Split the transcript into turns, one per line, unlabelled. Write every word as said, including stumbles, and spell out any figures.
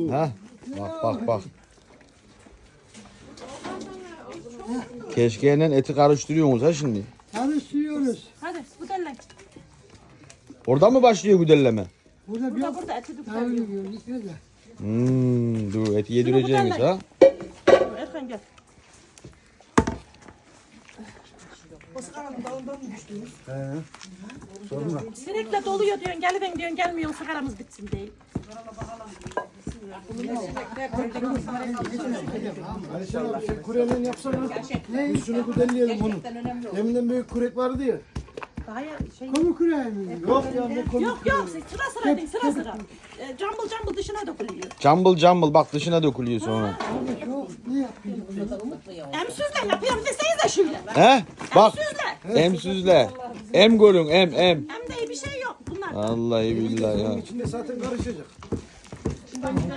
Ha? Bak bak bak. Keşkeyle eti karıştırıyorsunuz ha şimdi.
Karıştırıyoruz.
Hadi güdelle.
Orada mı başlıyor güdelleme?
Burada bir
Burada burada eti
daha
güdelle.
yiyoruz. Şöyle.
Hmm, dur eti yedireceğiniz ha.
Erkan gel. Sinekle doluyor diyorsun, geliven diyorsun, gelmiyor, sigaramız bitsin değil.
Ayşe abi sen kurenin yapsana. Biz şunu kudelleyelim bunu. Deminden büyük kurek vardı ya.
Daha ya şey...
Kamu küreği mi?
Yok ya ne komik.
Yok yok, sıra sıra değil, sıra sıra. E, cambıl cambıl dışına dökülüyor.
Cambıl cambıl bak dışına dökülüyor sonra.
Abi çok ne yapıyorsun?
Emsüzle yapıyorum desenize şöyle.
He? Bak
Emsüzle.
emsüzle. Em görün em em.
Hem de iyi bir şey yok bunlar.
Vallahi billahi ya.
İçinde zaten karışacak.